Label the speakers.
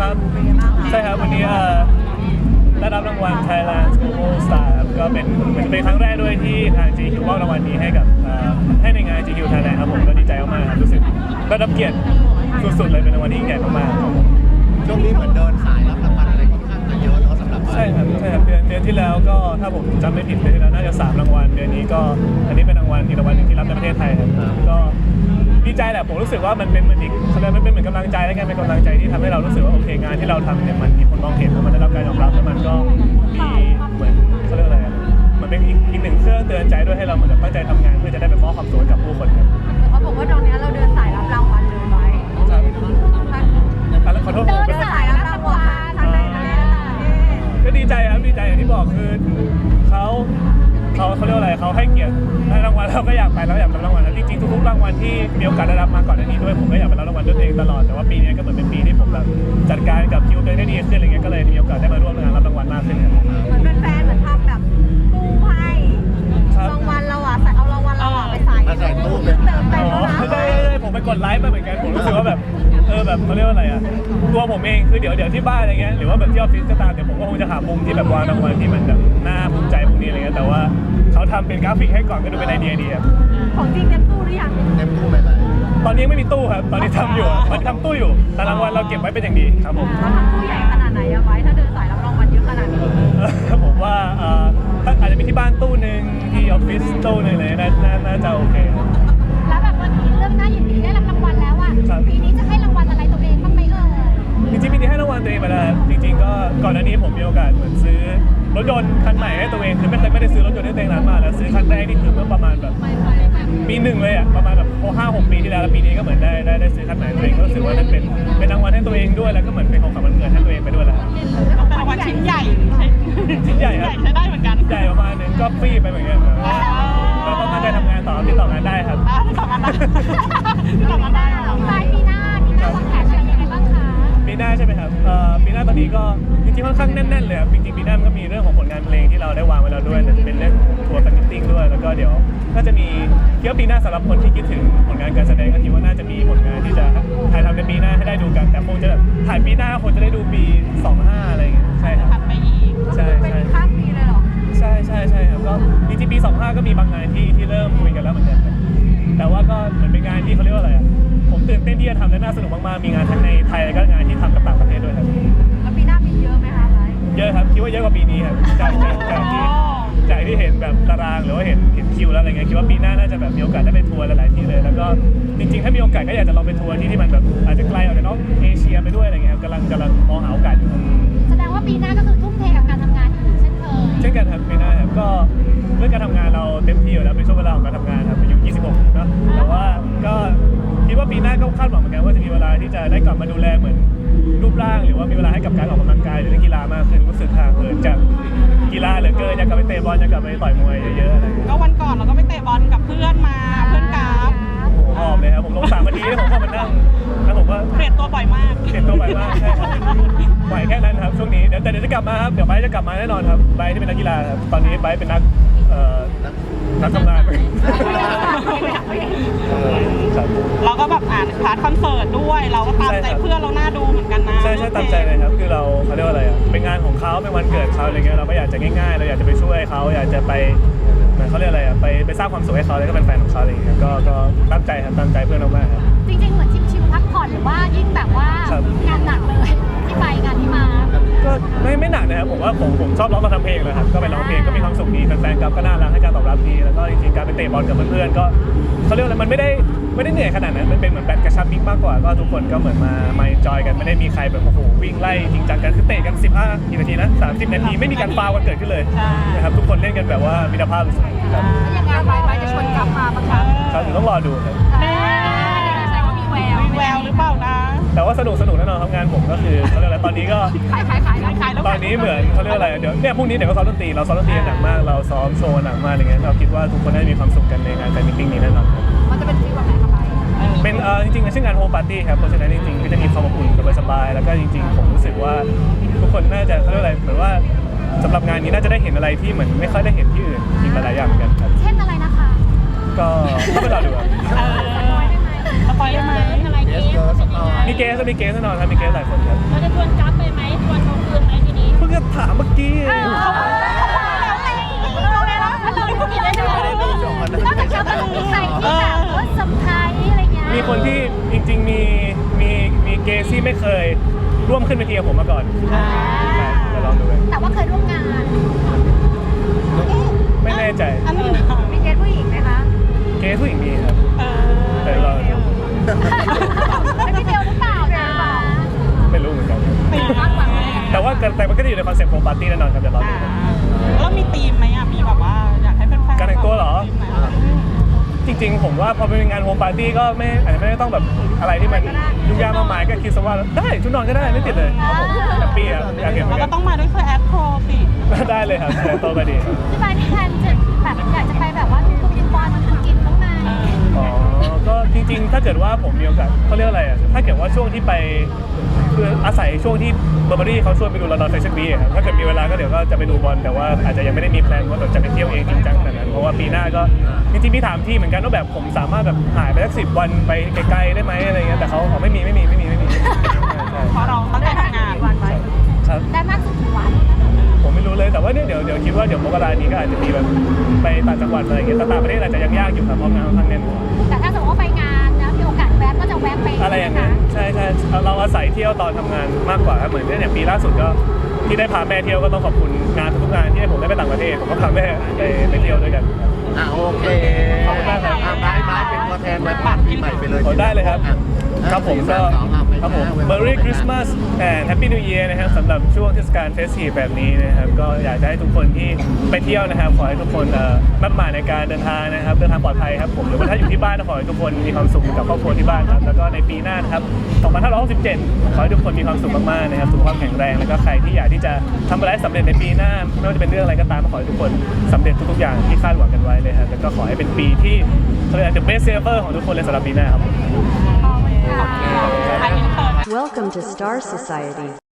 Speaker 1: ครับใช่ครับวันนี้ได้รับรางวัล Thailand Global Star ครับก็เป็นครั้งแรกด้วยที่ทาง GQ มอบรางวัลนี้ให้กับให้ในงาน GQ Thailand ครับผมก็ดีใจมากๆครับรู้สึกได้รับเกียรติสุดๆเลยเป็นรางวัลที่ยิ่งใหญ่มากๆครับ
Speaker 2: ช่วงนี้เหมือนเดินสายรับรางวัลอะไรค่อนข้างจะเยอะเนาะสำหรับ
Speaker 1: ใช่ครับเดือนที่แล้วก็ถ้าผมจำไม่ผิดเดือนที่แล้วน่าจะ3รางวัลเดือนนี้ก็อันนี้เป็นรางวัลอีกรางวัลหนึ่งที่รับในประเทศไทยครับก็ดีใจแหละผมรู้สึกว่ามันเป็นเหมือนอีกมันเป็นเหมือนกำลังใจและกันเป็นกำลังใจที่ทำให้เรารู้สึกว่าโอเคงานที่เราทำเนี่ยมันมีคนมองเห็นแล้วมันได้รับการยอมรับแล้วมันก็มีเหมือนเขาเรียกอะไรมันเป็นอีกหนึ่งเครื่องเตือนใจด้วยให้เราเหมือนตั้งใจทำงานเพื่อจะได้ไปมอบความสุขกับผู้คนครับ
Speaker 3: เขาบอกว่าตอนนี้เราเดินสายรับรางวัลเลยไหม
Speaker 1: ขอโทษ
Speaker 3: เดินสายรับรางวัลทางไหน
Speaker 1: ก็ดีใจครับดีใจอย่างที่บอกคือเขาเรียกอะไรเขาให้เกียรติให้รางวัลเราก็อยากไปแล้วอยากรับรางวัลแล้วจริงๆทุกๆรางวัลที่มีโอกาสได้รับมาก่อนหน้านี้ด้วยผมก็อยากไปรับรางวัลด้วยตัวเองตลอดแต่ว่าปีนี้ก็เหมือนเป็นปีที่ผมแบบจัดการกับคิวตัวเองได้ดีขึ้นอะไรเงี้ยก็เลยมีโอกาสได้มาร่วมงานรับรางวัลมากขึ้นครับ
Speaker 3: เหมือนเป็นแฟนเหมือนทำแบบตู้ให้รางวัลเราใส่เอารางวัลเราไปใส่ตู้เติมไปแล้วนะ
Speaker 1: ได้ผมไปกดไลค์มาเหมือนกันผมรู้สึกว่าแบบแบบเขาเรียกว่าอะไรตัวผมเองคือเดี๋ยวที่บ้านอะไรเงี้ยหรือว่าแบบที่ออฟฟิศก็ตามเดี๋ยวผมก็คงจะหามุมที่แบบวางรางวัลที่มันแบบน่าภูมิใจพวกนี้อะไรเงี้ยแต่ว่าเขาทำเป็นกราฟิกให้ก่อนก็ดูเป็นไอเดียดีครับ
Speaker 3: ของจริงเต็มตู้หรือยัง
Speaker 2: เต็มตู้ไหม
Speaker 1: ตอนนี้ไม่มีตู้ครับตอนนี้ทำอยู่ตอนนี้ทำตู้อยู่แต่รางวัลเราเก็บไว้เป็นอย่างดีครับผม
Speaker 3: เราทำตู้ใหญ่ขนาดไหนไว้ถ้าเดินสายรับรางวัลเยอะขนาดนี้
Speaker 1: ผมว่าอาจจะมีที่บ้านตู้หนึ่งที่ออฟฟิศตู้หนึ่งเลยน่าจะโอเค
Speaker 3: แล้วแบบวันนี้เรื่องน่ายินดีได้รับรางวัลแล้วอ่ะปีนี้จะให้รางวัลอะไรตัวเองบ้างไหม
Speaker 1: จริงๆปีนี้ให้รางวัลตัวเองไปแล้วจริงๆก็ก่อนหน้านี้ผมมีโอกาสเหมือนซื้อรถยนต์คันใหม่ให้ตัวเองคือไม่ได้ซื้อรถยนต์ให้ตัวเองนานมากแล้วซื้อคันแรกนี่คือเมื่อประมาณแบบปีหนึ่งเลยประมาณแบบ5-6 ปีที่แล้วปีนี้ก็เหมือนได้ซื้อคันใหม่ตัวเองก็รู้สึกว่านั่นเป็นรางวัลให้ตัวเองด้วยแล้วก็เหมือนเป็นของขวัญวันเกิดให้ตัวเองไปด้วยแหละ
Speaker 4: รางวัลชิ้นใหญ่
Speaker 1: ชิ้นใหญ่ครับ
Speaker 4: ใช้ได้เหมือนกัน
Speaker 1: ใหญ่ประมาณนึงก็ฟรีไปเหมือนกันเราต้องตั้งใจทำงานต่อติดต่องานได้ครับ
Speaker 4: ติดต่องานได้
Speaker 3: ปีหน้าวางแผนอะไรยังไงบ้างคะ
Speaker 1: ปีหน้าใช่ไหมครับปีหน้าตอนนี้ก็จริงๆค่อนข้างแน่นๆเลยครับจริงๆปีหน้ามันก็มีเรื่องของผลงานเพลงที่เราได้วางไว้แล้วด้วยแต่จะเป็นเรื่องทัวร์แฟนมิทติ้งด้วยแล้วก็เดี๋ยวน่าจะมีเที่ยวปีหน้าสำหรับคนที่คิดถึงผลงานการแสดงก็คิดว่าน่าจะมีผลงานที่จะถ่ายทำในปีหน้าให้ได้ดูกันแต่คงจะแบบถ่ายปีหน้าคงจะได้ดูปี25อะไรอย่างเงี้ยใช่ครับ
Speaker 4: ถัดไปอีก
Speaker 1: ใช่
Speaker 3: เป็นข้ามปีเลยหรอ
Speaker 1: ใช่ครับก็จริงๆปี25ก็มีบางงานที่เริ่มคุยกันแล้วเหมือนกันแต่ว่าก็เหมือนเป็นงานที่เขาเรียกว่าอะไรผมตื่นเต้นที่จะทำและน่าสนุกมากๆมีงานทั้งในไทยและก็งานที่ทำกับต่างประเทศด้วยครับ
Speaker 3: แล้วปีหน้ามีเยอะไหมคะ
Speaker 1: เยอะครับคิดว่าเยอะกว่าปีนี้ครับจากที่เห็นแบบตารางหรือว่าเห็นคิวแล้วอะไรเงี้ยคิดว่าปีหน้าน่าจะแบบมีโอกาสได้ไปทัวร์หลายๆที่เลยแล้วก็จริงๆถ้ามีโอกาสก็อยากจะลองไปทัวร์ที่มันแบบอาจจะไกลออกจากนอกเอเชียไปด้วยอะไรเงี้ยกำลังมองหาโอกาสอยู่
Speaker 3: แสดงว่าปีหน้าก็คือทุ่มเทกับการทำงานอีกเช่นเคย
Speaker 1: เช่นกันครับปีหน้าครับก็เรื่องการทำงานเราเต็มที่อยู่แล้วเป็นช่วงเวลาของการทำงานครับอายุ26เนาะแต่ว่าก็คิดว่าปีหน้าก็คาดหวังเหมือนกันว่าจะมีเวลาที่จะได้กลับมาดูแลเหมือนรูปร่างหรือว่ามีเวลาให้กับการออกกำลังกายหรือเล่นกีฬามากขึ้นรู้สึกห่างเหินจากกีฬาเหลือเกินอยากกลับไปเตะบอลอยากกลับไปต่อยมวยเยอะๆอะไร
Speaker 4: ก็วันก่อนเราก็ไปเตะบอลกับเพื่อนมาเพื่อนกราฟ
Speaker 1: หอบเลยครับผมลง3 นาทีแล้วผมก็มานั่งแล้วผมก็
Speaker 4: เปลี่ยนตัวบ่อยมาก
Speaker 1: ใช่ครับบ่อยแค่นั้นครับช่วงนี้เดี๋ยวจะกลับมาครับเดี๋ยวไบจะกลับมาแน่นอนครับไบที่เป็นนักกีฬาครับตอนนี้ไบเป็นนักทำงาน
Speaker 4: เราก็แบบพาร์ทคอนเสิร์ตด้วยเราก็ตามใจเพื่อนเราหน้าดูเหมือนกันนะ
Speaker 1: ใช่ตามใจเลยครับคือเขาเรียกว่าอะไรเป็นงานของเขาเป็นวันเกิดเขาอะไรเงี้ยเราก็อยากจะง่ายๆเราอยากจะไปช่วยเขาอยากจะไปเขาเรียกอะไรไปสร้างความสุขให้เขาแล้วก็เป็นแฟนของเขาอะไรเงี้ยก็ตั้งใจครับตั้งใจเพื่อนมากๆครับ
Speaker 3: จริงๆเหมือนชิลๆพักผ่อนหรือว่ายิ่งแบบว่างานหนักเลยที่ไปงานที่มา
Speaker 1: ก็ไม่หนักนะครับผมว่าผมชอบร้องกับทำเพลงนะครับก็ไปร้องเพลงก็มีความสุขดีแฟนๆก็น่ารักให้การตอบรับดีแล้วก็จริงๆการไปเตะบอลกับเพื่อนๆก็เขาเรียกอะไรมันไม่ได้เหนื่อยขนาดนั้นมันเป็นเหมือนแบดกระชับมิตรมากกว่าก็ทุกคนก็เหมือนมาจอยกันไม่ได้มีใครแบบโอ้โหวิ่งไล่จริงจังกันคือเตะกัน15กี่นาทีนะ30 นาทีไม่มีการฟาวกันเกิดขึ้นเลยนะครับทุกคนเล่นกันแบบว่ามิตรภาพสุดๆครับ
Speaker 3: ยังไงไปจะชวนกลับมาบ้างคะ
Speaker 1: ครับต้องรอดูครับ
Speaker 3: แสดงว่ามี
Speaker 4: แววหรือเปล่านะ
Speaker 1: แต่ว่าสนุกแน่นอนทำงานผมก็คือเขาเรียกอะไรตอนนี้ก็ตอนนี้เหมือนเขาเรียกอะไรเดี๋ยวเนี่ยพรุ่งนี้เดี๋ยวก็ซ้อมดนตรีเราซ้อมดนตรีหนักมากเราซ้อมโชว์หนักมากอะไรเงี้ยเราคิดว่าทุกคนได้มีความสุขกันในงานแฟนมิทติ้งนี้แน่นอน
Speaker 3: มันจะเป็นฟีลแบบไหนครับ
Speaker 1: เป็นจริงๆชื่องานโฮมปาร์ตี้ครับเพราะฉะนั้นจริงๆก็จะมีความอบอุ่นสบายๆแล้วก็จริงๆผมรู้สึกว่าทุกคนน่าจะเขาเรียกอะไรเหมือนว่าสำหรับงานนี้น่าจะได้เห็นอะไรที่เหมือนไม่ค่อยได้เห็นที่อื่นอีกหลายอย่างเหมือนกันครับ
Speaker 3: เช่นอะไรนะคะ
Speaker 1: ก็ไปรอดูครับ
Speaker 4: สปอยได้ไหม
Speaker 3: อะไร
Speaker 1: มีเกเกสแน่นอนครับมีเกสหลายคนครับ
Speaker 5: เราจะชวนกั๊บไปไหมชวนเขาคืนไหมทีนี้
Speaker 1: เพิ่งจะถามเมื่อกี้
Speaker 3: เราเลยแล้วเราเลยกินได้ด้วยนอกจากจะมีใครที่แบบว่าสำคัญอะไรเงี้ย
Speaker 1: มีคนที่จริงๆมีเกสที่ไม่เคยร่วมขึ้นเวทีกับผมมาก่อนครับเดี๋ยวลองดูกัน
Speaker 3: แต่ว่าเคยร่วมงาน
Speaker 1: ไม่แน่ใจ
Speaker 4: อันนี้นะ
Speaker 3: มีเกสผู้หญิงไหมคะ
Speaker 1: เกสผู้หญิงมีครับ
Speaker 4: เออ
Speaker 1: แต่เรา
Speaker 3: เป็นพี่เบลหรือเปล่านะ
Speaker 1: ไม่รู้เหมือนกัน
Speaker 4: ตีม
Speaker 1: แต่มันก็จะอยู่ในคอนเซ็ปต์ของปาร์ตี้แน่นอนครับเดี๋ยวลองดูกัน
Speaker 4: แล้วมีธีมไหมอ่ะมีแบบว่าอยากให้แฟนๆ
Speaker 1: การแต่งตัวเหรอ
Speaker 4: ธีมไหน
Speaker 1: จริงๆ ผมว่าพอเป็นงานโฮมปาร์ตี้ก็อาจจะไม่ได้ต้องแบบอะไรที่มันยุ่งยากมากมายก็คิดซะว่าได้ชุดนอนก็ได้ไม่ติดเลยครับผมแฮปปี้ครับอยากเห็นเหมือน
Speaker 4: เรา
Speaker 1: กั
Speaker 4: ก็
Speaker 1: น
Speaker 4: ต้องมาด้วยเสื้อแอดโปรสิ
Speaker 1: ได้เลยครับแต่โตก็ดีครับ
Speaker 3: ที่บ้านที่แทนจะแบบอยากจะไปแบบว่าทุกๆวันกินข้างใน
Speaker 1: อ๋อก็จริงๆ ถ้าเกิดว่าผมมีโอกาสเขาเรียกอะไรอ่ะถ้าเกิดว่าช่วงที่ไปคืออาศัยช่วงที่เบอร์เบอรี่เขาชวนไปดูลอนดอนแฟชั่นวีคครับถ้าเกิดมีเวลาก็เดี๋ยวก็จะไปดูบอลแต่ว่าอาจจะยังไม่ได้มีแพลนว่าแบบจะไปเที่ยวเองจริงจังขนาดนั้นเพราะว่าปีหน้าก็จริงๆมีถามที่เหมือนกันว่าแบบผมสามารถแบบหายไปสัก10 วันไปไกลๆได้ไหมอะไรเงี้ยแต่เขาบอกไม่มีใช่
Speaker 4: เพราะเราตั้งใจทำงาน
Speaker 1: ครับ
Speaker 3: ได้มากสุดกี่วัน
Speaker 1: ผมไม่รู้เลยแต่ว่าเนี่ยเดี๋ยวคิดว่าเดี๋ยวมกรานี้ก็อาจจะมีแบบไปต่างจังหวัดอะไรอย่างเงี้ยแต่ต่างประเทศอาจจะยังยากอยู่ครับเพราะงานค่อนข้างแน่น
Speaker 3: แต่ถ้าสมมติว่าไปงานนะมีโอกาสแวะก็จะแวะไป
Speaker 1: อะไรอย่างนั้นใช่เราอาศัยเที่ยวตอนทำงานมากกว่าครับเหมือนเนี่ยปีล่าสุดก็ที่ได้พาแม่เที่ยวก็ต้องขอบคุณงานทุกงานที่ให้ผมได้ไปต่างประเทศผมก็พาแม่ไปเที่ยวด้วยกัน
Speaker 2: โอเค
Speaker 1: ขอบคุณมากครับ
Speaker 2: ไม้เป็นตัวแทนไว้ปัดปีใหม่ไปเลย
Speaker 1: โอ้ได้เลยครับครับผมก็ครับผม Merry Christmas and Happy New Year นะครับสำหรับช่วงเทศกาลเฟสทีฟแบบนี้นะครับก็อยากจะให้ทุกคนที่ไปเที่ยวนะครับขอให้ทุกคนมั่นหมายในการเดินทางนะครับเดินทางปลอดภัยครับผมหรือว่าถ้าอยู่ที่บ้านก็ขอให้ทุกคนมีความสุขกับครอบครัวที่บ้านครับแล้วก็ในปีหน้านะครับ2567ขอให้ทุกคนมีความสุขมากๆนะครับสุขภาพแข็งแรงแล้วก็ใครที่อยากที่จะทำอะไรสำเร็จในปีหน้าไม่ว่าจะเป็นเรื่องอะไรก็ตามขอให้ทุกคนสำเร็จทุกๆอย่างที่คาดหวังกันไว้เลยครับแล้วก็ขอให้เป็นปีที่เขาเรียก the best ever ของทุกคนเลยสำหรับปีหน้าครับ
Speaker 3: ขอบคุณค่ะ
Speaker 4: อันนี้เปิด
Speaker 6: Welcome to Star Society.